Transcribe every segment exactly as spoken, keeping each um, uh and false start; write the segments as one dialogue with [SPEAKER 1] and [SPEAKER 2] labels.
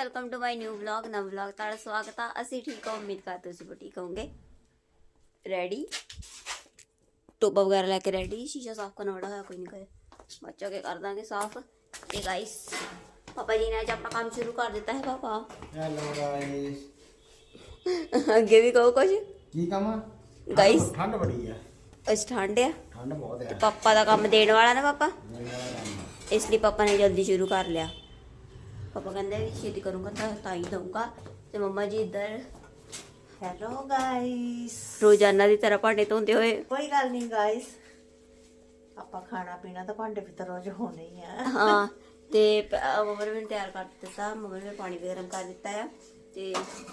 [SPEAKER 1] Welcome to my new vlog. ਨਵਾਂ vlog ਤੁਹਾਡਾ ਸਵਾਗਤ ਆ। ਅਸੀਂ ਠੀਕ ਹਾਂ, ਉਮੀਦ ਕਰਦੇ ਤੁਸੀਂ ਵੀ ਠੀਕ ਹੋਵੋਗੇ। ਰੈਡੀ ਟੋਪਾ ਵਗੈਰਾ ਲੈ ਕੇ ਰੈਡੀ। ਸ਼ੀਸ਼ਾ ਸਾਫ਼ ਕਰਨਾ ਬੜਾ ਹੋਇਆ, ਕੋਈ ਨਹੀਂ ਕਹੇ ਬੱਚਾ ਕੇ ਕਰ ਦਾਂਗੇ ਸਾਫ਼। ਤੇ ਗਾइस पापा जी ने आज अपना काम शुरू कर दिता है। पापा
[SPEAKER 2] हेलो गाइस,
[SPEAKER 1] ਅੱਗੇ ਵੀ ਕਹੋ ਕੁਝ।
[SPEAKER 2] ਕੀ ਕੰਮ ਆ
[SPEAKER 1] गाइस
[SPEAKER 2] ਠੰਡ ਬੜੀ ਆ।
[SPEAKER 1] ਅੱਜ ਠੰਡ ਆ,
[SPEAKER 2] ਠੰਡ ਬਹੁਤ ਆ।
[SPEAKER 1] पापा ਦਾ ਕੰਮ ਦੇਣ ਵਾਲਾ ਨਾ ਪਾਪਾ,
[SPEAKER 2] ਮੇਰੇ ਨਾਲ ਕੰਮ ਆ।
[SPEAKER 1] ਇਸ ਲਈ ਪਾਪਾ ਨੇ ਜਲਦੀ ਸ਼ੁਰੂ ਕਰ ਲਿਆ। पापा कहते छेती करूँगा तो ही दूंगा। तो मम्मा जी इधर
[SPEAKER 3] हेलो गाइस,
[SPEAKER 1] रोजाना की तरह भांडे धोते हुए।
[SPEAKER 3] कोई गल नहीं गाइस, ਆਪਾਂ ਖਾਣਾ ਪੀਣਾ ਤਾਂ ਭਾਂਡੇ ਵੀ ਤਾਂ ਰੋਜ਼ ਹੋਣੇ ਹੀ ਆ।
[SPEAKER 1] हाँ ते मम्मा ने मैंने तैयार कर दिता, मम्मा ने पानी भी गर्म कर दिता है। ते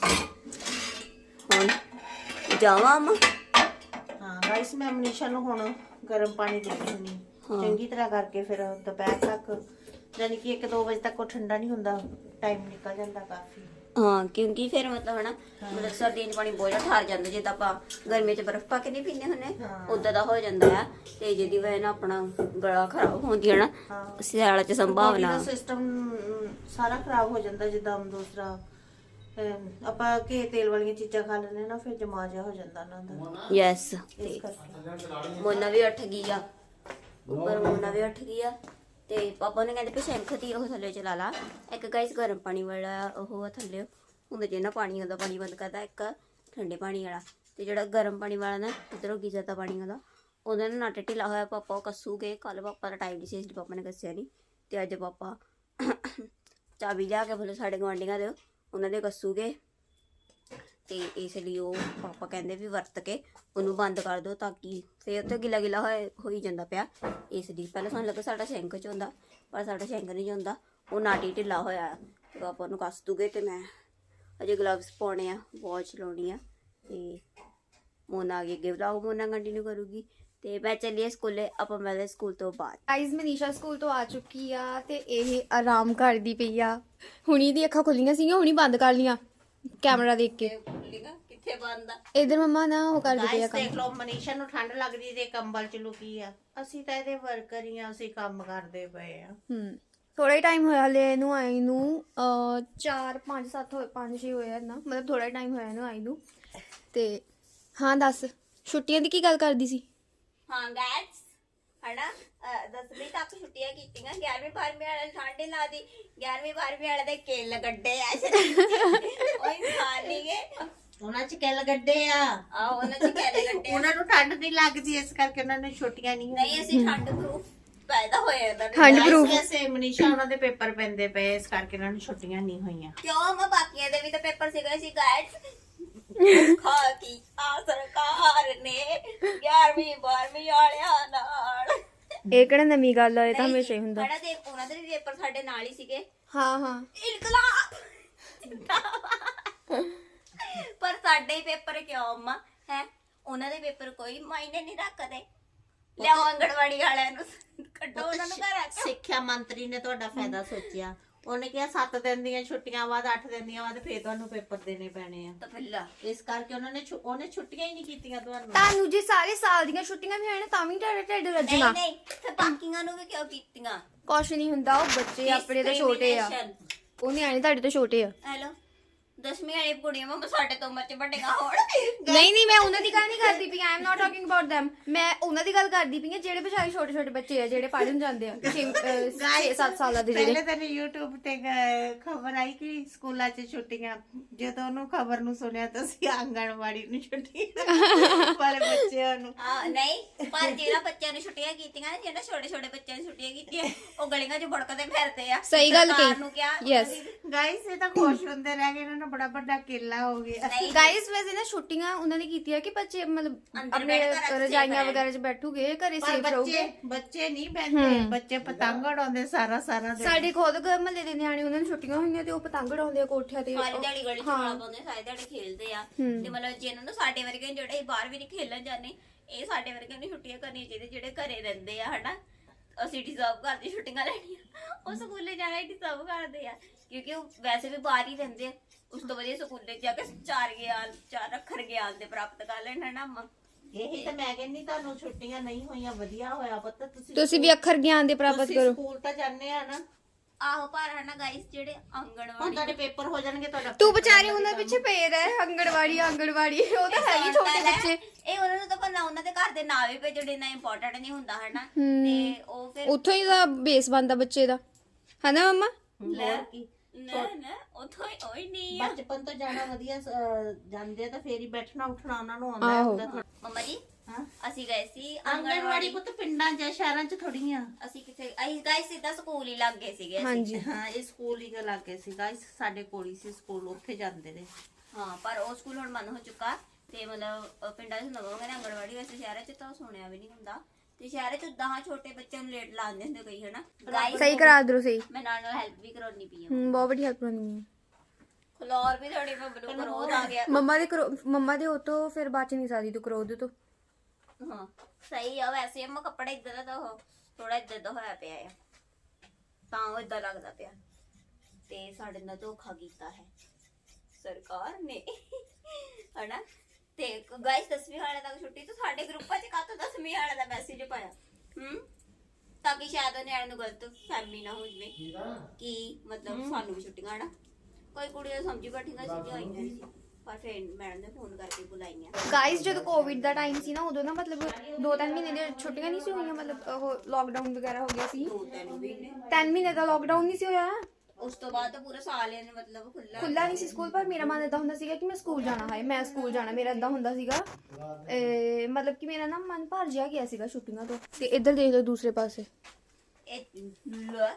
[SPEAKER 1] हुण जावां अम्मा।
[SPEAKER 3] ਹਾਂ ਗਾइस, ਮੈਂ ਮਨੀਸ਼ਾ ਨੂੰ ਹੁਣ ਗਰਮ ਪਾਣੀ ਦੇ ਦਿੰਦੀ ਚੰਗੀ ਤਰ੍ਹਾਂ ਕਰਕੇ, ਫਿਰ ਦੁਪਹਿਰ ਤੱਕ ਯਾਨੀ ਕਿ ਇੱਕ ਦੋ ਵਜੇ ਤੱਕ ਉਹ ਠੰਡਾ ਨਹੀਂ ਹੁੰਦਾ, ਟਾਈਮ ਨਿਕਲ ਜਾਂਦਾ ਕਾਫੀ।
[SPEAKER 1] हाँ क्योंकि फिर मतलब है ना, मतलब सर्दियों च पानी बहुत ज़्यादा ठर जाता, जिद्दां आपां गर्मी च बर्फ पा के नहीं पीने हुन्ने उदां दा हो जांदा है। ते जिहदी वजह नाल अपना गला खराब होंदी है ना, सियाला च संभावना
[SPEAKER 3] ਸਿਸਟਮ ਸਾਰਾ ਖਰਾਬ ਹੋ ਜਾਂਦਾ। ਜਿੱਦਾਂ ਦੂਸਰਾ ਅਹ, ਆਪਾਂ ਘੇ ਤੇਲ ਵਾਲੀਆਂ ਚੀਜ਼ਾਂ ਖਾ ਲੈਂਦੇ ਨਾ, ਫਿਰ ਜਮਾ ਜਿਹਾ ਹੋ ਜਾਂਦਾ ਉਹਨਾਂ ਦਾ।
[SPEAKER 1] यस।
[SPEAKER 3] ਇਸ ਕਰਕੇ
[SPEAKER 1] मोना भी उठ गई आ, ऊपर मोना भी उठ गई आ। ਤੇ ਪਾਪਾ ਨੇ ਕਹਿੰਦੇ ਵੀ ਸ਼ੈਂਖ ਦੀ ਉਹ ਥੱਲੇ ਚਲਾ ਲਾ। ਇੱਕ ਗਾइस ਗਰਮ ਪਾਣੀ ਵਾਲਾ ਉਹ ਥੱਲੇ ਹੁੰਦਾ, ਜਿਹਨਾਂ ਪਾਣੀ ਹੁੰਦਾ ਪਾਣੀ ਬੰਦ ਕਰਦਾ, ਇੱਕ ਠੰਡੇ ਪਾਣੀ ਵਾਲਾ। ਤੇ ਜਿਹੜਾ ਗਰਮ ਪਾਣੀ ਵਾਲਾ ਨਾ ਉਧਰੋਂ ਗੀਜ਼ਰ ਦਾ ਪਾਣੀ ਹੁੰਦਾ, ਉਹਦਾ ਨਾ ਨਟ ਢਿੱਲਾ ਹੋਇਆ। ਪਾਪਾ ਉਹ ਕੱਸੂਗੇ। ਕੱਲ ਪਾਪਾ ਦਾ ਟਾਈਮ ਨਹੀਂ ਸੀ, ਇਸ ਲਈ ਪਾਪਾ ਨੇ ਕੱਸਿਆ ਨਹੀਂ। ਤੇ ਅੱਜ ਪਾਪਾ ਚਾਬੀ ਲਿਆ ਕੇ ਬੋਲੇ ਸਾਡੇ ਗੁਆਂਢੀਆਂ ਦੇ, ਉਹਨਾਂ ਦੇ ਕੱਸੂਗੇ। ਤੇ ਇਸ ਲਈ ਉਹ ਪਾਪਾ ਕਹਿੰਦੇ ਵੀ ਵਰਤ ਕੇ ਉਹਨੂੰ ਬੰਦ ਕਰ ਦਿਓ, ਤਾਂ ਕਿ ਫਿਰ ਉੱਥੇ ਗਿੱਲਾ ਗਿੱਲਾ ਹੋਏ ਹੋਈ ਜਾਂਦਾ ਪਿਆ। ਇਸ ਲਈ ਪਹਿਲਾਂ ਸਾਨੂੰ ਲੱਗਾ ਸਾਡਾ ਸ਼ੈਂਕ 'ਚ ਹੁੰਦਾ, ਪਰ ਸਾਡਾ ਸ਼ੈਂਕ ਨਹੀਂ ਹੁੰਦਾ, ਉਹ ਨਾਟੀ ਢਿੱਲਾ ਹੋਇਆ। ਤੇ ਪਾਪਾ ਉਹਨੂੰ ਕੱਸ ਦੂਗੇ। ਤੇ ਮੈਂ ਅਜੇ ਗਲਵਸ ਪਾਉਣੇ ਆ, ਵਾਚ ਲਾਉਣੀ ਆ। ਤੇ ਮੋਨਾ ਅੱਗੇ ਅੱਗੇ ਵਲੌਗ ਮੋਨਾ ਕੰਟੀਨਿਊ ਕਰੂਗੀ। ਤੇ ਮੈਂ ਚੱਲੀਏ ਸਕੂਲੇ, ਆਪਾਂ ਮਿਲਦੇ ਸਕੂਲ ਤੋਂ ਬਾਅਦ।
[SPEAKER 4] ਗਾਇਜ਼ ਮਨੀਸ਼ਾ ਸਕੂਲ ਤੋਂ ਆ ਚੁੱਕੀ ਆ ਤੇ ਇਹ ਆਰਾਮ ਕਰਦੀ ਪਈ ਆ। ਹੁਣੀ ਦੀ ਅੱਖਾਂ ਖੁੱਲੀਆਂ ਸੀਗੀਆਂ, ਹੁਣੀ ਬੰਦ ਕਰ ਲੀਆਂ ਕੈਮਰਾ ਦੇਖ ਕੇ।
[SPEAKER 1] ਕਿੱਥੇ ਬੰਦ ਆ?
[SPEAKER 4] ਇਧਰ ਮੰਮਾ ਨਾ ਉਹ ਕਰਦੀ ਪਈ ਆ
[SPEAKER 3] ਗਾਇਸ
[SPEAKER 4] ਕੰਮ।
[SPEAKER 3] ਦੇਖ ਲਓ, ਮਨੀਸ਼ਾ ਨੂੰ ਠੰਡ ਲੱਗਦੀ ਤੇ ਕੰਬਲ ਚ ਲੁਕੀ ਆ। ਅਸੀਂ ਤਾਂ ਇਹਦੇ ਵਰਕਰ ਹੀ ਆ, ਅਸੀਂ ਕੰਮ ਕਰਦੇ ਪਏ ਆ।
[SPEAKER 4] ਹੂੰ ਥੋੜਾ ਹੀ ਟਾਈਮ ਹੋਇਆ ਹਲੇ ਇਹਨੂੰ ਆਈ ਨੂੰ, ਅ ਚਾਰ ਪੰਜ ਸੱਤ ਹੋਏ ਪੰਜ ਛੇ ਹੋਇਆ ਨਾ, ਮਤਲਬ ਥੋੜਾ ਟਾਈਮ ਹੋਇਆ ਇਹਨੂੰ ਆਈ ਨੂੰ। ਤੇ ਹਾਂ ਦੱਸ, ਛੁੱਟੀਆਂ ਦੀ ਕੀ ਗੱਲ ਕਰਦੀ ਸੀ?
[SPEAKER 1] ਹਾਂ ਗਾਇਸ ਹਨਾ, ਦਸਵੀਂ ਤੱਕ ਛੁੱਟੀਆਂ ਕੀਤੀਆਂ। ਗਿਆਰਵੀਂ ਬਾਰਵੀਂ ਵਾਲੇ ਠੰਡੇ ਲਾ ਦੀ, ਗਿਆਰਵੀਂ ਬਾਰਵੀਂ ਵਾਲੇ ਦੇ ਕੇਲ ਗੱਡੇ ਆ ਉਹ ਇਨਸਾਨ ਨਹੀਂ ਗੇ,
[SPEAKER 3] ਉਹਨਾਂ ਚ ਕਿੱਲ ਗੱਡੇ ਆ।
[SPEAKER 1] ਆ ਉਹਨਾਂ ਚ ਕੇਲ ਗੱਡੇ ਆ।
[SPEAKER 3] ਉਹਨਾਂ ਨੂੰ ਠੰਡ ਨਹੀਂ ਲੱਗਦੀ, ਇਸ ਕਰਕੇ ਉਹਨਾਂ ਨੇ ਛੁੱਟੀਆਂ ਨਹੀਂ
[SPEAKER 1] ਨਹੀਂ ਅਸੀਂ ਠੰਡ ਪ੍ਰੂਫ ਪੈਦਾ ਹੋਏ ਉਹਨਾਂ ਦੇ।
[SPEAKER 4] ਠੰਡ proof।
[SPEAKER 3] ਵੈਸੇ ਮਨੀਸ਼ਾ ਉਹਨਾਂ ਦੇ ਪੇਪਰ ਪੈਂਦੇ ਪਏ, ਇਸ ਕਰਕੇ ਉਹਨਾਂ ਨੂੰ ਛੁੱਟੀਆਂ ਨਹੀਂ ਹੋਈਆਂ।
[SPEAKER 1] ਕਿਉਂ ਮੈਂ ਬਾਕੀਆਂ ਦੇ ਵੀ ਤਾਂ ਪੇਪਰ ਸੀਗੇ ਸੀ ਗਾਇਸ। ਖਾ ਕੀ ਆ ਸਰਕਾਰ ਨੇ ਗਿਆਰਵੀਂ ਬਾਰਵੀਂ ਵਾਲਿਆਂ ਨਾਲ।
[SPEAKER 4] ਇਹ ਕਿਹੜਾ ਨਵੀਂ ਗੱਲ ਆ, ਇਹ ਤਾਂ ਹਮੇਸ਼ਾ ਹੀ ਹੁੰਦਾ।
[SPEAKER 1] ਹਨਾ ਦੇ ਉਹਨਾਂ ਦੇ ਵੀ ਪੇਪਰ ਸਾਡੇ ਨਾਲ ਹੀ ਸੀਗੇ।
[SPEAKER 4] ਹਾਂ ਹਾਂ
[SPEAKER 1] ਇਨਕਲਾਬ ਪਰ ਸਾਡੇ ਹੀ ਪੇਪਰ ਕਿਉਂ ਅੰਮਾ ਹੈ? ਉਹਨਾਂ ਦੇ ਪੇਪਰ ਕੋਈ ਮਾਇਨੇ ਨਹੀਂ ਰੱਖਦੇ। ਲਿਆਓ ਆਂਗਣਵਾੜੀ ਵਾਲਿਆਂ ਨੂੰ ਕੱਢੋ ਉਹਨਾਂ ਨੂੰ ਘਰ ਆ ਕੇ।
[SPEAKER 3] ਸਿੱਖਿਆ ਮੰਤਰੀ ਨੇ ਤੁਹਾਡਾ ਫਾਇਦਾ ਸੋਚਿਆ। ਉਹਨੇ ਕਿਹਾ ਸੱਤ ਦਿਨ ਦੀਆਂ ਛੁੱਟੀਆਂ ਬਾਅਦ ਅੱਠ ਦਿਨ ਦੀਆਂ ਬਾਅਦ ਫੇਰ ਤੁਹਾਨੂੰ ਪੇਪਰ ਦੇਣੇ ਪੈਣੇ ਆ।
[SPEAKER 1] ਤਾਂ ਫਿੱਲਾ
[SPEAKER 3] ਇਸ ਕਰਕੇ ਉਹਨਾਂ ਨੇ ਛੁ- ਉਹਨੇ ਛੁੱਟੀਆਂ ਹੀ ਨਹੀਂ ਕੀਤੀਆਂ ਤੁਹਾਨੂੰ।
[SPEAKER 4] ਤੁਹਾਨੂੰ ਜੇ ਸਾਰੇ ਸਾਲ ਦੀਆਂ ਛੁੱਟੀਆਂ ਵੀ ਹੋਣ ਤਾਂ ਵੀ ਤੁਹਾਡਾ ਢਿੱਡ ਰੱਜਣਾ।
[SPEAKER 1] ਨਹੀਂ ਨਹੀਂ ਫਿਰ ਬਾਕੀਆਂ ਨੂੰ ਵੀ ਕਿਉਂ ਕੀਤੀਆਂ?
[SPEAKER 4] ਕੁਛ ਨਹੀਂ ਹੁੰਦਾ, ਉਹ ਬੱਚੇ ਆਪਣੇ ਤੋਂ ਛੋਟੇ ਆ, ਉਹ ਨਿਆਣੇ ਤੁਹਾਡੇ ਤੋਂ ਛੋਟੇ ਆ।
[SPEAKER 1] ਹੈਲੋ ਦਸਵੀਂ ਵਾਲੀ ਕੁੜੀਆਂ ਮੈਂ ਸਾਡੇ ਤੋਂ ਉਮਰ ਚ ਵੱਡੀਆਂ ਹੋਣ।
[SPEAKER 4] ਨਹੀਂ ਨਹੀਂ ਮੈਂ ਉਹਨਾਂ ਦੀ ਗੱਲ ਨਹੀਂ ਕਰਦੀ ਪਈ, I am not talking about them। ਮੈਂ ਉਹਨਾਂ ਦੀ ਗੱਲ ਕਰਦੀ ਪਈ ਆ ਜਿਹੜੇ ਵਿਚਾਰੇ ਛੋਟੇ ਛੋਟੇ ਬੱਚੇ ਆ, ਜਿਹੜੇ ਪੜ੍ਹਨ ਜਾਂਦੇ ਆ ਛੇ ਸੱਤ ਸਾਲਾਂ ਦੇ ਜਿਹੜੇ।
[SPEAKER 3] ਪਹਿਲੇ ਦਿਨ YouTube ਤੇ ਖਬਰ ਆਈ ਕਿ ਸਕੂਲਾਂ 'ਚ ਛੁੱਟੀਆਂ। ਜਦੋਂ ਉਹਨੂੰ ਖਬਰ ਨੂੰ ਸੁਣਿਆ ਤਾਂ ਅਸੀਂ ਆਂਗਣਵਾੜੀ ਨੂੰ ਛੁੱਟੀਆਂ ਵਾਲੇ ਬੱਚਿਆਂ ਨੂੰ।
[SPEAKER 1] ਆ ਨਹੀਂ ਪਰ ਜਿਹੜਾ ਬੱਚਿਆਂ ਨੂੰ ਛੁੱਟੀਆਂ ਕੀਤੀਆਂ ਨਾ, ਜਿਹੜਾ ਛੋਟੇ ਛੋਟੇ ਬੱਚਿਆਂ ਨੂੰ ਛੁੱਟੀਆਂ ਕੀਤੀਆਂ, ਉਹ ਗਲੀਆਂ 'ਚ ਬੜਕਦੇ ਫਿਰਦੇ ਆ।
[SPEAKER 4] ਸਹੀ ਗੱਲ ਕਹੀ।
[SPEAKER 1] ਸਰਕਾਰ ਨੂੰ ਕਿਹਾ
[SPEAKER 4] Yes।
[SPEAKER 3] ਗਾਇਸ ਇਹ ਤਾਂ ਖੁਸ਼ ਹੁੰਦੇ ਰਹਿ ਗਏ, ਇਹਨਾਂ ਨੂੰ ਬੜਾ ਵੱਡਾ ਕੇਲਾ ਹੋ ਗਿਆ।
[SPEAKER 1] ਨਹੀਂ
[SPEAKER 4] ਗਾਇਸ ਵੈਸੇ ਨਾ ਛੁੱਟੀਆਂ ਉਹਨਾਂ ਨੇ ਕੀਤੀਆਂ ਕਿ ਬੱਚੇ ਮਤਲਬ
[SPEAKER 1] ਅੰਦਰ
[SPEAKER 4] ਆਪਣੇ
[SPEAKER 1] ਬੈਠ ਕੇ
[SPEAKER 4] ਰਜਾਈਆਂ ਵਗੈਰਾ 'ਚ ਬੈਠੂਗੇ, ਘਰੇ
[SPEAKER 3] ਪਰ
[SPEAKER 4] ਸੇਫ
[SPEAKER 3] ਬੱਚੇ
[SPEAKER 4] ਰਹੂਗੇ।
[SPEAKER 3] ਬੱਚੇ ਨਹੀਂ ਬੈਠਦੇ, ਬੱਚੇ ਪਤੰਗ ਉਡਾਉਂਦੇ ਸਾਰਾ ਸਾਰਾ ਦਿਨ।
[SPEAKER 4] ਸਾਡੇ ਖੁਦ ਮਹੱਲੇ ਦੇ ਨਿਆਣੇ, ਉਹਨਾਂ ਨੂੰ ਛੁੱਟੀਆਂ ਹੋਈਆਂ ਤੇ ਉਹ ਪਤੰਗ ਉਡਾਉਂਦੇ ਆ ਕੋਠਿਆਂ ਤੇ।
[SPEAKER 1] ਸਾਰੀ ਦਿਹਾੜੀ ਗਲੀ 'ਚ ਰੌਲਾ ਪਾਉਂਦੇ, ਸਾਰੀ ਦਿਹਾੜੀ ਖੇਲਦੇ ਆ। ਤੇ ਮਤਲਬ ਜਿਹਨਾਂ ਨੂੰ ਸਾਡੇ ਵਰਗੇ ਜਿਹੜੇ ਬਾਹਰ ਵੀ ਨਹੀਂ ਖੇਲਣ ਜਾਂਦੇ, ਇਹ ਸਾਡੇ ਵਰਗੇ ਨੂੰ ਛੁੱਟੀਆਂ ਕਰਨੀਆਂ ਚਾਹੀਦੀਆਂ, ਜਿਹੜੇ ਘਰੇ ਰਹਿੰਦੇ ਆ ਹਨਾ। ਅਸੀਂ ਡਿਜ਼ਰਵ ਕਰਦੇ ਛੁੱਟੀਆਂ ਲੈਣੀਆਂ, ਉਹ ਸਕੂਲੇ ਜਾਣਾ ਹੀ ਡਿਜ਼ਰਵ ਕਰਦੇ ਆ, ਕਿਉਂਕਿ ਉਹ ਵੈਸੇ ਵੀ ਬਾਹਰ ਹੀ ਰਹਿੰਦੇ ਆ। ਉਸ ਤੋਂ ਵਧੀਆ ਸਕੂਲੇ ਜਾ ਕੇ ਚਾਰ ਗਿਆਨ ਚਾਰ ਅੱਖਰ ਗਿਆਨ ਦੇ ਪ੍ਰਾਪਤ ਕਰ ਲੈਣ ਹਨਾ ਅੰਮਾ।
[SPEAKER 3] ਇਹੀ ਤਾਂ ਮੈਂ ਕਹਿੰਦੀ, ਤੁਹਾਨੂੰ ਛੁੱਟੀਆਂ ਨਹੀਂ ਹੋਈਆਂ, ਵਧੀਆ ਹੋਇਆ ਪੁੱਤ। ਤੁਸੀਂ
[SPEAKER 4] ਤੁਸੀਂ ਵੀ ਅੱਖਰ ਗਿਆਨ ਦੇ ਪ੍ਰਾਪਤ
[SPEAKER 3] ਤੁਸੀਂ
[SPEAKER 4] ਕਰੋ।
[SPEAKER 3] ਸਕੂਲ ਤਾਂ ਜਾਂਦੇ ਆ ਨਾ,
[SPEAKER 1] ਆਹੋ ਪਰ ਹਨਾ ਗਾਇਸ ਜਿਹੜੇ
[SPEAKER 3] ਹੁਣ
[SPEAKER 1] ਆਂਗਣਵਾੜੀ
[SPEAKER 3] ਤੁਹਾਡੇ ਪੇਪਰ ਹੋ ਜਾਣਗੇ ਤੁਹਾਡਾ
[SPEAKER 4] ਤੂੰ ਵਿਚਾਰੇ ਉਹਨਾਂ ਪਿੱਛੇ ਪਏ ਰਹਿ ਅੰਗਣਵਾੜੀ ਅੰਗਣਵਾੜੀ ਉਹ ਤਾਂ ਹੈ ਹੀ ਛੋਟੇ ਬੱਚੇ
[SPEAKER 1] ਇਹ ਉਹਨਾਂ ਨੂੰ ਤਾਂ ਪਤਾ ਉਹਨਾਂ ਦੇ ਘਰ ਦੇ ਨਾਂ ਵੀ ਭੇਜੋ ਇੰਨਾ ਇੰਪੋਰਟੈਂਟ ਨਹੀਂ ਹੁੰਦਾ ਹਨਾ ਤੇ ਉਹ ਫਿਰ
[SPEAKER 4] ਉੱਥੋਂ ਹੀ ਦਾ ਬੇਸ ਬਣਦਾ ਬੱਚੇ ਦਾ ਹਨਾ ਮੰਮਾ
[SPEAKER 1] ਲੈ
[SPEAKER 3] ਕੀ
[SPEAKER 1] ਨਾ ਨਾ ਉਥੋਂ ਹੀ ਓਏ ਨਹੀਂ ਆ।
[SPEAKER 3] ਬਚਪਨ ਤੋਂ ਜਾਣਾ ਵਧੀਆ ਅਹ, ਜਾਂਦੇ ਆ ਤਾਂ ਫੇਰ ਹੀ ਬੈਠਣਾ ਉੱਠਣਾ ਉਹਨਾਂ ਨੂੰ ਆਉਂਦਾ
[SPEAKER 4] ਆਹੋ।
[SPEAKER 3] ਹੁੰਦਾ ਥੋੜ੍ਹਾ।
[SPEAKER 1] ਮੰਮਾ ਜੀ
[SPEAKER 3] ਹਾਂ
[SPEAKER 1] ਅਸੀਂ ਗਏ ਸੀ
[SPEAKER 3] ਆਂਗਣਵਾੜੀ ਪੁੱਤ ਪਿੰਡਾਂ 'ਚ ਸ਼ਹਿਰਾਂ 'ਚ ਥੋੜੀਆਂ
[SPEAKER 1] ਅਸੀਂ ਕਿਥੇ ਅਸੀਂ ਗਾਇਸ ਸਿੱਧਾ ਸਕੂਲ ਹੀ ਲੱਗ ਗਏ ਸੀਗੇ ਅਸੀਂ।
[SPEAKER 4] ਹਾਂਜੀ
[SPEAKER 3] ਹਾਂ ਇਹ ਸਕੂਲ ਹੀ ਲੱਗੇ ਸੀ ਗਾਇਸ ਸਾਡੇ ਕੋਲ ਹੀ ਸੀ ਸਕੂਲ ਉੱਥੇ ਜਾਂਦੇ ਨੇ
[SPEAKER 1] ਹਾਂ ਪਰ ਉਹ ਸਕੂਲ ਹੁਣ ਬੰਦ ਹੋ ਚੁੱਕਾ ਤੇ ਮਤਲਬ ਅਹ ਪਿੰਡਾਂ 'ਚ ਨਵਾਂ ਕਹਿੰਦੇ ਆਂਗਣਵਾੜੀ ਵੈਸੇ ਸ਼ਹਿਰਾਂ 'ਚ ਤਾਂ ਸੁਣਿਆ ਵੀ ਨਹੀਂ ਹੁੰਦਾ ਤੇ ਸ਼ਹਿਰਾਂ 'ਚ ਦਹਾਂ ਛੋਟੇ ਬੱਚਿਆਂ ਨੂੰ ਲੇਟ ਲਾਉਂਦੇ ਹੁੰਦੇ ਕਈ ਹਨਾ ਗਾਇਸ
[SPEAKER 4] ਸਹੀ ਕਰਾ ਦਿਓ ਸਹੀ
[SPEAKER 1] ਮੈਂ ਨਾਲ ਨਾਲ ਹੈਲਪ ਵੀ ਕਰਾਉਣੀ ਪਈ ਆ
[SPEAKER 4] ਹੂੰ ਬਹੁਤ ਵੱਡੀ ਹੈਲਪ ਕਰਨੀ ਹੈ
[SPEAKER 1] ਖਲੋਰ ਵੀ ਥੋੜੀ ਮੈਂ ਬਲੂ ਕਰੋਧ ਆ ਗਿਆ
[SPEAKER 4] ਮੰਮਾ ਦੇ ਕਰੋ ਮੰਮਾ ਦੇ ਉਹ ਤੋਂ ਫਿਰ ਬਾਅਦ ਚ ਨਹੀਂ ਸਕਦੀ ਤੂੰ ਕਰੋ ਉਹਦੇ ਤੋਂ
[SPEAKER 1] ਹਾਂ ਸਹੀ ਆ ਵੈਸੇ ਅੰਮਾ ਕੱਪੜਾ ਇਦਾਂ ਦਾ ਤਾਂ ਉਹ ਥੋੜਾ ਇਦਾਂ ਦਾ ਹੋਇਆ ਪਿਆ ਆ ਤਾਂ ਉਹ ਇਦਾਂ ਲੱਗਦਾ ਪਿਆ ਤੇ ਸਾਡੇ ਨਾਲ ਧੋਖਾ ਕੀਤਾ ਹੈ ਸਰਕਾਰ ਨੇ ਹਨਾ ਤੇ ਗਾਇਸ ਦਸਵੀਂ ਵਾਲੇ ਤੱਕ ਛੁੱਟੀ ਤੋਂ ਸਾਡੇ ਗਰੁੱਪਾਂ 'ਚ ਕਾਹਤੋਂ ਦਸਵੀਂ ਵਾਲੇ ਦਾ ਮੈਸੇਜ ਪਾਇਆ ਹੂੰ ਤਾਂ ਕਿ ਸ਼ਾਇਦ ਉਹ ਨਿਆਣੇ ਨੂੰ ਗਲਤ ਫਹਿਮੀ ਨਾ ਹੋ ਜਵੇ ਕਿ ਮਤਲਬ ਸਾਨੂੰ ਵੀ ਛੁੱਟੀਆਂ ਹਨਾ ਕੋਈ ਕੁੜੀਆਂ ਸਮਝੀ ਬੈਠੀਆਂ ਸੀ ਆਈਆਂ ਨਹੀਂ ਸੀ ਪਰ ਫਿਰ ਮੈਡਮ ਨੇ ਫੋਨ ਕਰਕੇ ਬੁਲਾਈਆਂ
[SPEAKER 4] ਗਾਇਸ ਜਦੋਂ ਕੋਵਿਡ ਦਾ ਟਾਈਮ ਸੀ ਨਾ ਉਦੋਂ ਨਾ ਮਤਲਬ ਦੋ ਤਿੰਨ ਮਹੀਨੇ ਦੀਆਂ ਛੁੱਟੀਆਂ ਨਹੀਂ ਸੀ ਹੋਈਆਂ ਮਤਲਬ ਉਹ ਲੋਕਡਾਊਨ ਵਗੈਰਾ ਹੋ ਗਿਆ ਸੀ
[SPEAKER 1] ਦੋ ਤਿੰਨ ਮਹੀਨੇ
[SPEAKER 4] ਤਿੰਨ ਮਹੀਨੇ ਦਾ ਲੋਕਡਾਊਨ ਨਹੀਂ ਸੀ ਹੋਇਆ
[SPEAKER 1] ਉਸ ਤੋਂ ਬਾਅਦ ਤਾਂ ਪੂਰਾ ਸਾਲ ਇਹਨੇ ਮਤਲਬ ਖੁੱਲਾ
[SPEAKER 4] ਖੁੱਲਾ ਨਹੀਂ ਸੀ ਸਕੂਲ ਪਰ ਮੇਰਾ ਮਨ ਏਦਾਂ ਹੁੰਦਾ ਸੀਗਾ ਕਿ ਮੈਂ ਸਕੂਲ ਜਾਣਾ ਹੈ ਮੈਂ ਸਕੂਲ ਜਾਣਾ ਮੇਰਾ ਏਦਾਂ ਹੁੰਦਾ ਸੀਗਾ ਇਹ ਮਤਲਬ ਕਿ ਮੇਰਾ ਨਾ ਮਨ ਭਰ ਜਿਹਾ ਗਿਆ ਸੀਗਾ ਛੁੱਟੀਆਂ ਤੋਂ ਤੇ ਇੱਧਰ ਦੇਖ ਲਓ ਦੂਸਰੇ ਪਾਸੇ
[SPEAKER 1] ਇਹ ਲੈ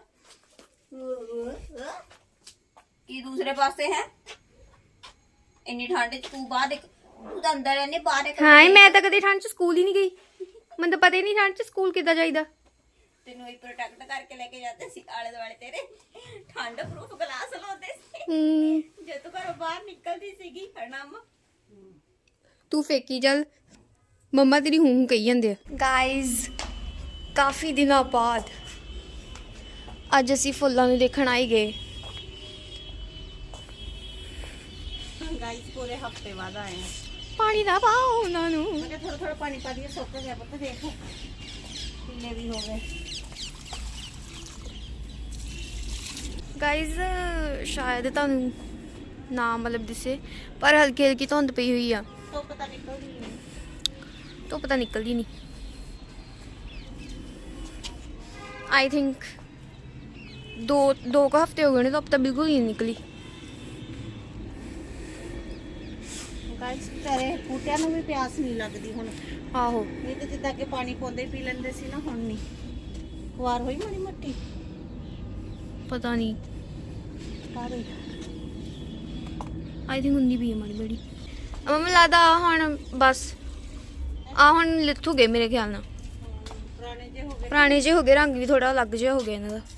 [SPEAKER 1] ਕੀ ਦੂਸਰੇ ਪਾਸੇ ਹੈ ਇੰਨੀ ਠੰਡ ਚ ਤੂੰ ਬਾਹਰ ਇੱਕ ਤੂੰ ਤਾਂ ਅੰਦਰ ਰਹਿੰਦੀ ਬਾਹਰ ਇੱਕ
[SPEAKER 4] ਹਾਂ ਮੈਂ ਤਾਂ ਕਦੇ ਠੰਡ ਚ ਸਕੂਲ ਹੀ ਨਹੀਂ ਗਈ ਮੈਨੂੰ ਤਾਂ ਪਤਾ ਹੀ ਨਹੀਂ ਠੰਡ ਚ ਸਕੂਲ ਕਿੱਦਾਂ ਜਾਈਦਾ
[SPEAKER 1] ਤੈਨੂੰ ਹੀ ਪ੍ਰੋਟੈਕਟ ਕਰਕੇ ਲੈ ਕੇ ਜਾਂਦੇ ਸੀ ਆਲੇ ਦੁਆਲੇ ਤੇਰੇ ਠੰਡ ਪ੍ਰੂਫ ਗਲਾਸ ਲਾਉਂਦੇ ਸੀ
[SPEAKER 4] ਹੂੰ
[SPEAKER 1] ਜੇ ਤੂੰ ਘਰੋਂ ਬਾਹਰ ਨਿਕਲਦੀ ਸੀਗੀ ਹਨਾ ਅੰਮਾ
[SPEAKER 4] ਤੂੰ ਫੇਕੀ ਚੱਲ ਮੰਮਾ ਤੇਰੀ ਹੂੰ ਹੂੰ ਕਹੀ ਜਾਂਦੇ ਆ ਗਾਇਜ਼ ਕਾਫੀ ਦਿਨਾਂ ਬਾਅਦ ਅੱਜ ਅਸੀਂ ਫੁੱਲਾਂ ਨੂੰ ਦੇਖਣ ਆਈ ਗਏ
[SPEAKER 3] ਗਾਇਸ ਪੂਰੇ ਹਫਤੇ ਬਾਅਦ ਆਏ ਆ
[SPEAKER 4] ਪਾਣੀ ਨਾ ਪਾਓ ਉਹਨਾਂ ਨੂੰ
[SPEAKER 3] ਮੈਂ ਥੋੜਾ ਥੋੜਾ ਪਾਣੀ ਪਾ ਦਈਏ ਸੁੱਕ ਗਿਆ ਪੁੱਤ ਦੇਖ ਪੀਲੇ ਵੀ ਹੋ ਗਏ
[SPEAKER 4] ਗਾਇਜ਼ ਸ਼ਾਇਦ ਤੁਹਾਨੂੰ ਨਾ ਮਤਲਬ ਦਿਸੇ ਪਰ ਹਲਕੀ ਹਲਕੀ ਧੁੰਦ ਪਈ ਹੋਈ ਆ
[SPEAKER 3] ਧੁੱਪ ਤਾਂ ਨਿਕਲਦੀ ਨਹੀਂ
[SPEAKER 4] ਧੁੱਪ ਤਾਂ ਨਿਕਲਦੀ ਨਹੀਂ ਆਈ ਥਿੰਕ ਦੋ ਦੋ ਕੁ ਹਫ਼ਤੇ ਹੋ ਗਏ ਨੇ ਧੁੱਪ ਤਾਂ ਬਿਲਕੁਲ ਹੀ ਨਹੀਂ ਨਿਕਲੀ
[SPEAKER 3] ਗਾਇਸ ਤੇਰੇ ਬੂਟਿਆਂ ਨੂੰ ਵੀ ਪਿਆਸ ਨਹੀਂ ਲੱਗਦੀ ਹੁਣ
[SPEAKER 4] ਆਹੋ
[SPEAKER 3] ਨਹੀਂ ਤੇ ਜਿੱਦਾਂ ਕਿ ਪਾਣੀ ਪਾਉਂਦੇ ਪੀ ਲੈਂਦੇ ਸੀ ਨਾ ਹੁਣ ਨਹੀਂ ਖੁਆਰ ਹੋਈ ਮਾੜੀ ਮੱਟੀ
[SPEAKER 4] ਪਤਾ ਨਹੀਂ
[SPEAKER 3] ਸਾਰੇ
[SPEAKER 4] ਆਈ ਥਿੰਕ ਹੁੰਦੀ ਵੀ ਹੈ ਮਾੜੀ ਬੜੀ ਮੈਨੂੰ ਲੱਗਦਾ ਆਹ ਹੁਣ ਬਸ ਆ ਹੁਣ ਲਿਥੂ ਗਏ ਮੇਰੇ ਖਿਆਲ ਨਾਲ
[SPEAKER 3] ਪੁਰਾਣੇ ਜੇ ਹੋ ਗਏ
[SPEAKER 4] ਪੁਰਾਣੇ ਜਿਹੇ ਹੋ ਗਏ ਰੰਗ ਵੀ ਥੋੜਾ ਅਲੱਗ ਜਿਹਾ ਹੋ ਗਿਆ ਇਹਨਾਂ ਦਾ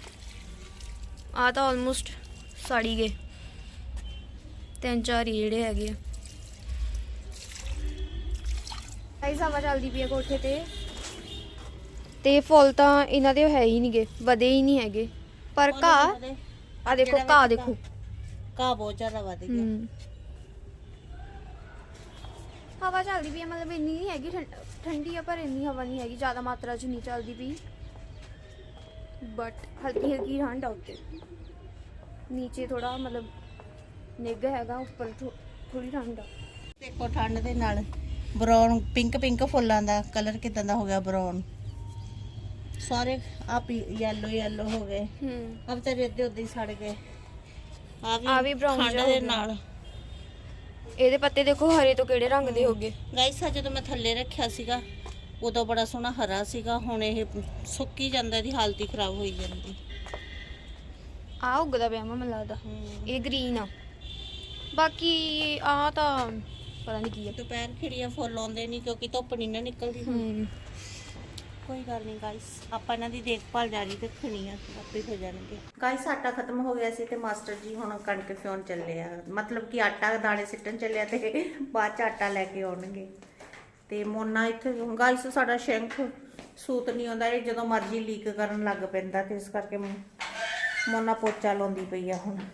[SPEAKER 4] ਆ ਤਾਂ ਆਲਮੋਸਟ ਸੜੀ ਗਏ ਤਿੰਨ ਚਾਰ ਹੀ ਜਿਹੜੇ ਹੈਗੇ ਆ ਗਾਇਸ ਹਵਾ ਚੱਲਦੀ ਪਈ ਆ ਕੋਠੇ ਤੇ ਤੇ ਫੁੱਲ ਤਾਂ ਇਹਨਾਂ ਦੇ ਹੈ ਹੀ ਨਹੀਂਗੇ ਵਧੇ ਹੀ ਨਹੀਂ ਹੈਗੇ ਪਰ ਘਾਹ ਆ ਦੇਖੋ ਘਾਹ ਦੇਖੋ
[SPEAKER 3] ਘਾਹ ਬਹੁਤ ਜ਼ਿਆਦਾ ਵੱਧ ਗਿਆ
[SPEAKER 4] ਹਮ ਹਵਾ ਚੱਲਦੀ ਪਈ ਆ ਮਤਲਬ ਇੰਨੀ ਨਹੀਂ ਹੈਗੀ ਠੰਡ- ਠੰਡੀ ਆ ਪਰ ਇੰਨੀ ਹਵਾ ਨਹੀਂ ਹੈਗੀ ਜ਼ਿਆਦਾ ਮਾਤਰਾ 'ਚ ਨਹੀਂ ਚੱਲਦੀ ਪਈ ਬਟ ਹਲਕੀ ਹਲਕੀ ਠੰਡ ਆ ਉੱਤੇ ਨੀਚੇ ਥੋੜਾ ਮਤਲਬ ਨਿੱਘ ਹੈਗਾ ਉੱਪਰ ਥੋੜੀ ਠੰਡ ਆ
[SPEAKER 3] ਦੇਖੋ ਠੰਡ ਦੇ ਨਾਲ ਬਰਾਊਨ ਪਿੰਕ ਪਿੰਕ ਫੁੱਲਾਂ ਦਾ ਕਲਰ ਕਿਦਾਂ ਦਾ ਹੋ ਗਿਆ ਬਰਾਊਨ ਸਾਰੇ ਆ ਯੈਲੋ ਯੈਲੋ ਹੋ ਗਏ
[SPEAKER 4] ਹੂੰ
[SPEAKER 3] ਆ ਵਿਚਾਰੇ ਅੱਧੇ ਉੱਧੇ ਹੀ ਸੜ ਗਏ ਆ
[SPEAKER 4] ਆ ਵੀ brown
[SPEAKER 3] ਠੰਡ
[SPEAKER 4] ਜਿਹਾ ਹੋ
[SPEAKER 3] ਦੇ
[SPEAKER 4] ਗਿਆ।
[SPEAKER 3] ਨਾਲ
[SPEAKER 4] ਇਹਦੇ ਪੱਤੇ ਦੇਖੋ ਹਰੇ ਤੋਂ ਕਿਹੜੇ ਰੰਗ ਦੇ ਹੋ ਗਏ
[SPEAKER 3] ਗਾਇਸ ਆ ਜਦੋਂ ਮੈਂ ਥੱਲੇ ਰੱਖਿਆ ਸੀਗਾ ਉਦੋਂ ਬੜਾ ਸੋਹਣਾ ਹਰਾ ਸੀਗਾ ਹੁਣ ਇਹ ਸੁੱਕੀ ਜਾਂਦਾ ਦੀ ਹਾਲਤ ਹੀ ਖਰਾਬ ਹੋਈ ਜਾਂਦੀ
[SPEAKER 4] ਆ ਉੱਗਦਾ ਪਿਆ ਮੈਨੂੰ ਲੱਗਦਾ
[SPEAKER 3] ਹੂੰ
[SPEAKER 4] ਇਹ ਗ੍ਰੀਨ ਆ ਬਾਕੀ ਆ ਤਾਂ ਪਤਾ ਨਹੀਂ ਕੀ ਆ
[SPEAKER 3] ਦੁਪਹਿਰ ਖਿੜੀਆਂ ਫੁੱਲ ਆਉਂਦੇ ਨਹੀਂ ਕਿਉਂਕਿ ਧੁੱਪ ਨਹੀਂ ਨਾ ਨਿਕਲਦੀ ਹੁਣ
[SPEAKER 4] ਹੂੰ
[SPEAKER 3] ਕੋਈ ਗੱਲ ਨਹੀਂ ਗਾਇਸ ਆਪਾਂ ਇਹਨਾਂ ਦੀ ਦੇਖਭਾਲ ਜਾਰੀ ਰੱਖਣੀ ਆ ਆਪੇ ਹੋ ਜਾਣਗੇ ਗਾਇਸ ਆਟਾ ਖਤਮ ਹੋ ਗਿਆ ਸੀ ਤੇ ਮਾਸਟਰ ਜੀ ਹੁਣ ਕਣਕ ਫਿਉਣ ਚੱਲੇ ਆ ਮਤਲਬ ਕਿ ਆਟਾ ਦਾਣੇ ਸਿੱਟਣ ਚੱਲਿਆ ਤੇ ਬਾਅਦ ਚ ਆਟਾ ਲੈ ਕੇ ਆਉਣਗੇ ਤੇ ਮੋਨਾ ਇੱਥੇ ਗਾਇਸ ਸਾਡਾ ਸ਼ੈਂਕ ਸੂਤ ਨਹੀਂ ਆਉਂਦਾ ਇਹ ਜਦੋਂ ਮਰਜ਼ੀ ਲੀਕ ਕਰਨ ਲੱਗ ਪੈਂਦਾ ਤੇ ਇਸ ਕਰਕੇ ਮੋਨਾ ਪੋਚਾ ਲਾਉਂਦੀ ਪਈ ਆ ਹੁਣ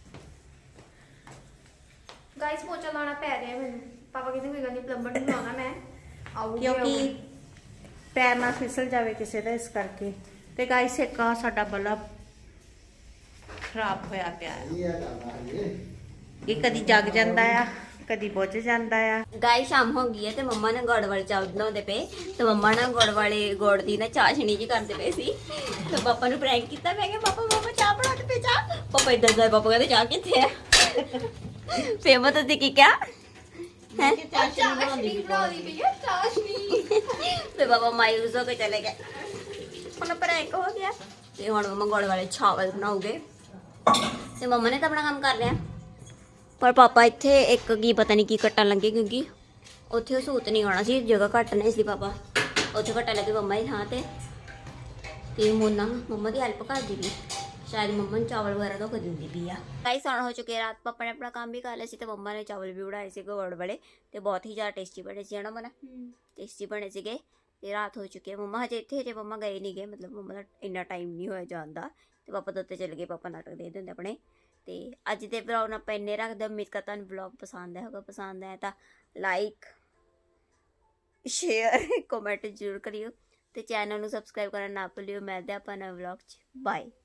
[SPEAKER 4] ਗਾਇਸ ਪੋਚਾ ਲਾਉਣਾ ਪੈ ਰਿਹਾ ਮੈਨੂੰ ਪਾਪਾ ਕਹਿੰਦੇ ਕੋਈ ਗੱਲ ਨਹੀਂ ਪਲੰਬਰ ਨੂੰ ਲਾਉਣਾ ਮੈਂ ਆਊਗੀ
[SPEAKER 3] ਕਿਉਂਕਿ ਪੈਰ ਨਾ ਫਿਸਲ ਜਾਵੇ ਕਿਸੇ ਦਾ ਇਸ ਕਰਕੇ ਤੇ ਗਾਇਸ ਇੱਕ ਆ ਸਾਡਾ ਬਲਬ ਖਰਾਬ ਹੋਇਆ ਪਿਆ ਹੈ।
[SPEAKER 2] ਇਹ ਆ ਕਰਦਾ ਇਹ
[SPEAKER 3] ਇਹ ਕਦੀ ਜਗ ਜਾਂਦਾ ਆ, ਕਦੀ ਬੁੱਝ ਜਾਂਦਾ ਆ।
[SPEAKER 1] ਗਾਈ ਸ਼ਾਮ ਹੋ ਗਈ ਹੈ ਤੇ ਮੰਮਾ ਨੇ ਗੁੜ ਵਾਲੇ ਚਾਵਲ ਬਣਾਉਂਦੇ ਪਏ ਤੇ ਮੰਮਾ ਨਾ ਗੁੜ ਵਾਲੇ ਗੁੜ ਦੀ ਨਾ ਚਾਸ਼ਣੀ ਜੀ ਕਰਦੇ ਪਏ ਸੀ ਤੇ ਪਾਪਾ ਨੂੰ ਪ੍ਰੈਂਕ ਕੀਤਾ। ਮੈਂ ਕਿਹਾ ਪਾਪਾ ਪਾਪਾ ਚਾਹ ਬਣਾਉਂਦੇ ਪਏ ਚਾਹ। ਪਾਪਾ ਇਦਾਂ ਦਾ ਪਾਪਾ ਕਹਿੰਦੇ ਚਾਹ ਕਿੱਥੇ ਆ? ਫੇਰ ਮੈਂ ਤਾਂ ਕੀ ਕਿਹਾ ਹੈ
[SPEAKER 4] ਚਾਸ਼ਨੀ ਬਣਾਉਣੀ ਪਈ ਹੈ ਚਾਸ਼ਨੀ।
[SPEAKER 1] ਤੇ ਪਾਪਾ ਮਾਇੂਸ ਹੋ ਕੇ ਚਲੇ ਗਏ। ਹੁਣ ਪ੍ਰੈਂਕ ਹੋ ਗਿਆ ਤੇ ਹੁਣ ਮੰਮਾ ਗੁੜ ਵਾਲੇ ਚਾਵਲ ਬਣਾਉਗੇ ਤੇ ਮੰਮਾ ਨੇ ਤਾਂ ਆਪਣਾ ਕੰਮ ਕਰ ਲਿਆ ਪਰ ਪਾਪਾ ਇੱਥੇ ਇੱਕ ਕੀ ਪਤਾ ਨਹੀਂ ਕੀ ਕੱਟਣ ਲੱਗੇ ਕਿਉਂਕਿ ਉੱਥੇ ਉਹ ਸੂਤ ਨਹੀਂ ਆਉਣਾ ਸੀ, ਜਗ੍ਹਾ ਘੱਟ ਨਹੀਂ ਸੀ। ਪਾਪਾ ਉੱਥੇ ਕੱਟਣ ਲੱਗੇ ਮੰਮਾ ਦੀ ਥਾਂ ਤੇ ਤੇ ਮੋਨਾ ਮੰਮਾ ਦੀ ਹੈਲਪ ਕਰਦੀ ਵੀ, ਸ਼ਾਇਦ ਮੰਮਾ ਨੂੰ ਚਾਵਲ ਵਗੈਰਾ ਤਾਂ ਦਿੰਦੀ ਵੀ ਆ। ਗਾਈਸ ਹੁਣ ਹੋ ਚੁੱਕੇ ਰਾਤ, ਪਾਪਾ ਨੇ ਆਪਣਾ ਕੰਮ ਵੀ ਕਰ ਲਿਆ ਸੀ ਤੇ ਮੰਮਾ ਨੇ ਚਾਵਲ ਵੀ ਬਣਾਏ ਸੀ ਗੁੜ ਵਾਲੇ ਤੇ ਬਹੁਤ ਹੀ ਜ਼ਿਆਦਾ ਟੇਸਟੀ ਬਣੇ ਸੀ ਨਾ ਮਨਾ ਟੇਸਟੀ ਬਣੇ ਸੀਗੇ। ਤੇ ਰਾਤ ਹੋ ਚੁੱਕੀ ਹੈ, ਮੰਮਾ ਹਜੇ ਇੱਥੇ ਹਜੇ ਮੰਮਾ ਗਏ ਨਹੀਂ ਗਏ, ਮਤਲਬ ਮੰਮਾ ਦਾ ਇੰਨਾ ਟਾਈਮ ਨਹੀਂ ਹੋਇਆ ਜਾਣ ਦਾ ਤੇ ਪਾਪਾ ਤਾਂ ਉੱਤੇ ਚਲੇ ਗਏ, ਪਾਪਾ ਨਾਟਕ ਦੇਖਦੇ ਹੁੰਦੇ ਆਪਣੇ। ਤੇ ਅੱਜ ਦੇ ਵਲੌਗ ਨੂੰ ਆਪਾਂ ਇੰਨੇ ਰੱਖਦੇ, ਉਮੀਦ ਕਰਦਾ ਤੁਹਾਨੂੰ ਵਲੌਗ ਪਸੰਦ ਆਇਆ ਹੋਗਾ। ਪਸੰਦ ਆਇਆ ਤਾਂ ਲਾਈਕ ਸ਼ੇਅਰ ਕਮੈਂਟ ਜ਼ਰੂਰ ਕਰਿਓ ਤੇ ਚੈਨਲ ਨੂੰ ਸਬਸਕ੍ਰਾਈਬ ਕਰਨਾ ਨਾ ਭੁੱਲਿਓ। ਮਿਲਦੇ ਆਪਾਂ ਨਵੇਂ ਵਲੌਗ 'ਚ, ਬਾਏ।